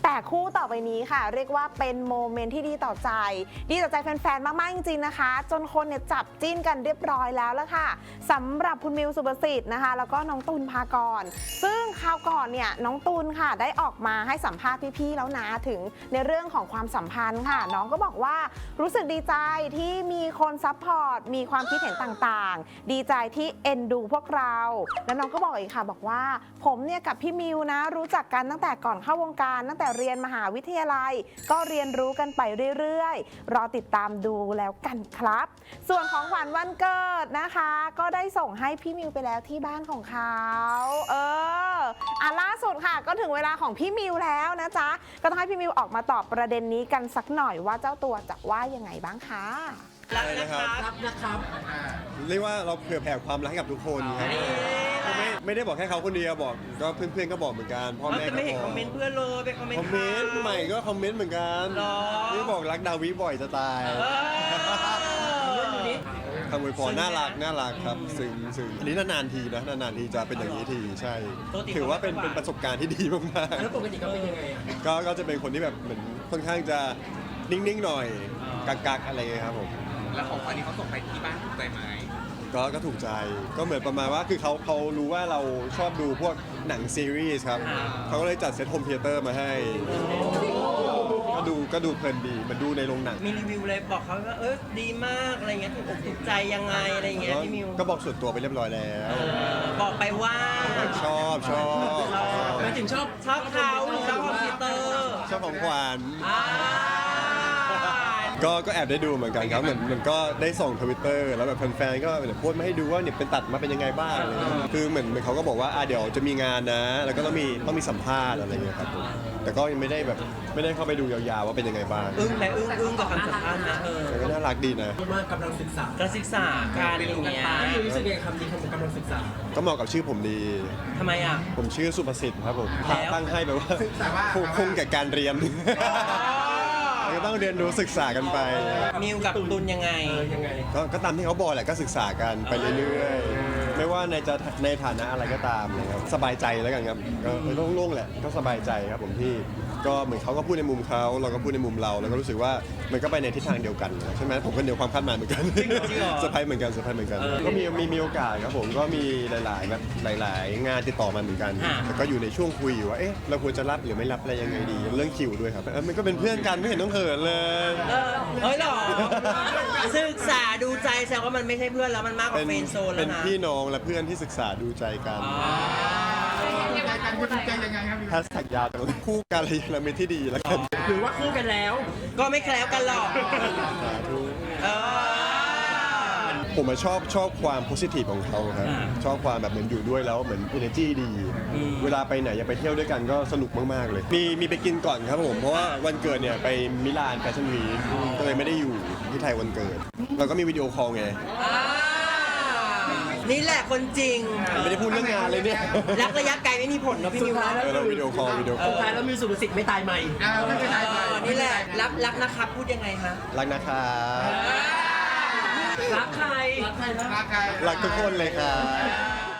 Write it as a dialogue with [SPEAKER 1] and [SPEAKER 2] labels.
[SPEAKER 1] แต่คู่ต่อไปนี้ค่ะเรียกว่าเป็นโมเมนต์ที่ดีต่อใจแฟนๆมากๆจริงๆนะคะจนคนเนี่ยจับจิ้นกันเรียบร้อยแล้วละค่ะสำหรับคุณมิวสุภสิทธิ์นะคะแล้วก็น้องตูนภากรซึ่งคราวก่อนเนี่ยน้องตูนค่ะได้ออกมาให้สัมภาษณ์พี่ๆแล้วนะถึงในเรื่องของความสัมพันธ์ค่ะน้องก็บอกว่ารู้สึกดีใจที่มีคนซัพพอร์ตมีความคิดเห็นต่างๆดีใจที่เอ็นดูพวกเราแล้วน้องก็บอกอีกค่ะบอกว่าผมเนี่ยกับพี่มิวนะรู้จักกันตั้งแต่ก่อนเข้าวงการตั้งแต่เรียนมหาวิทยาลัยก็เรียนรู้กันไปเรื่อยๆรอติดตามดูแล้วกันครับส่วนของขวัญวันเกิดนะคะก็ได้ส่งให้พี่มิวไปแล้วที่บ้านของเขาล่าสุดค่ะก็ถึงเวลาของพี่มิวแล้วนะจ๊ะก็ต้องให้พี่มิวออกมาตอบประเด็นนี้กันสักหน่อยว่าเจ้าตัวจะว่ายังไงบ้างคะ
[SPEAKER 2] รักนะครับเรียกว่าเราเผื่อแผ่ความรักให้กับทุกคนครับไม่ได้บอกแค่เขาคนเดียวบอกก็เพื่อนๆก็บอกเหมือนกันพ่อแม่ก็บอกไม่เห็นคอมเมนต์เพื่อนเลยไปคอมเมนต์ใหม่ก็คอมเมนต์เหมือนกันนี่บอกรักดาวิบ่อยจะตายคำอวยพรน่ารักครับซึ่งอันนี้นานๆทีนะนานๆทีจะเป็นอย่างนี้ทีใช่ถือว่าเป็นประสบการณ์ที่ดีมากๆแล้วปกติก็เป็นยังไงก็จะเป็นคนที่แบบเหมือนค่อนข้างจะนิ่งๆหน่อยกักอะไรเงี้ยครับผม
[SPEAKER 3] แล้วของวันนี้เขาส่งไปที่บ้านถูกใจไหม
[SPEAKER 2] ก็ถูกใจก็เหมือนประมาณว่าคือเขารู้ว่าเราชอบดูพวกหนังซีรีส์ครับเขาก็เลยจัดเซตโฮมเธียเตอร์มาให้ก็ดูเพลินดีมันดูในโรงหนัง
[SPEAKER 4] มีรีวิวเลยบอกเขาว่าดีมากอะไรเงี้ยถูกอกถูกใจยังไงอะไรเงี้ยพี่มิว
[SPEAKER 2] ก็บอกส่วนตัวไปเรียบร้อยแล้ว
[SPEAKER 4] บอกไปว่า
[SPEAKER 2] ชอบ
[SPEAKER 4] ไม่ถึงชอบเขาหรือชอบคอมพิวเตอร์
[SPEAKER 2] ชอบของขวัญก็แอบได้ดูเหมือนกันครับเหมือนก็ได้ส่ง Twitter แล้วแบบแฟนๆก็โพสต์มาให้ดูว่าเนี่ยเป็นตัดมาเป็นยังไงบ้างคือเหมือนเขาก็บอกว่าเดี๋ยวจะมีงานนะแล้วก็ต้องมีสัมภาษณ์อะไรเงี้ยครับแต่ก็ยังไม่ได้เข้าไปดูยาวๆว่าเป็นยังไงบ้าง
[SPEAKER 4] อึ้งกับคำสัมภาษณ์นะ
[SPEAKER 2] ก็น่ารักดีนะ
[SPEAKER 5] ว่ากำลังศึกษา
[SPEAKER 4] การอย่างเงี้ย
[SPEAKER 5] รู้สึกยังไงคำนี้กำลังศึกษา
[SPEAKER 2] ก็เหมาะกับชื่อผมดี
[SPEAKER 4] ทำไมอ่ะ
[SPEAKER 2] ผมชื่อสุภสิทธิ์ครับผมตั้งให้แบบว่าคงแก่การเรียนก็ต้องเรียนรู้ศึกษากันไป
[SPEAKER 4] มิวกับตุนยังไง
[SPEAKER 2] ก็ตามที่เขาบอกแหละก็ศึกษากันไปเรื่อยๆไม่ว่าในฐานะอะไรก็ตามนะครับสบายใจแล้วกันครับก็โล่งๆแหละก็สบายใจครับผมที่ก็เหมือนเขาก็พูดในมุมเขาเราก็พูดในมุมเราแล้วก็รู้สึกว่ามันก็ไปในทิศทางเดียวกันใช่ไหมผมก็เหนือความคาดหมายเหมือนกันเซอร์ไพรส์เหมือนกันก็มีโอกาสครับผมก็มีหลายงานติดต่อมาเหมือนกันแต่ก็อยู่ในช่วงคุยอยู่ว่าเราควรจะรับหรือไม่รับอะไรยังไงดีเรื่องคิวด้วยครับมันก็เป็นเพื่อนกันไม่เห็นต้องเขินเลย
[SPEAKER 4] หรอศึกษาดูใจแสดงว่ามันไม่ใช่เพื่อนแล้วมันมากกว่าเฟรนด์โซนแล้วนะ
[SPEAKER 2] เป็นพี่น้องและเพื่อนที่ศึกษาดูใจกันแฮชแท็กยาวแต่คู่กันอะไรเราเป็นที่ดีแล้วกัน
[SPEAKER 5] หรือว่าคู่กันแล้ว
[SPEAKER 4] ก็ไม่แคล้วกันหรอก
[SPEAKER 2] ผมชอบความโพสิทีฟของเขาครับชอบความแบบเหมือนอยู่ด้วยแล้วเหมือน energy ดีเวลาไปไหนอยากไปเที่ยวด้วยกันก็สนุกมากๆเลยมีไปกินก่อนครับผมเพราะว่าวันเกิดเนี่ยไปมิลานแฟชั่นวีคก็เลยไม่ได้อยู่ที่ไทยวันเกิดเราก็มีวิดีโอคอลไง
[SPEAKER 4] นี่แหละคนจริง
[SPEAKER 2] ไม่ได้พูดเรื่องงานเลยเนี่ย
[SPEAKER 4] รักระยะไกลไม่มีผลเนาะพี่มิวเนาะ
[SPEAKER 2] เราวิดีโอคอล
[SPEAKER 5] สุดท้ายแล้วมิวสุภสิทธิ์ไม่ตายใหม่
[SPEAKER 4] ไม่ตายใหม่นี่แหละรักนะครับพูดยังไงคะ
[SPEAKER 2] รักนะครับ
[SPEAKER 5] รักใคร
[SPEAKER 2] รักทุกคนเลยครับ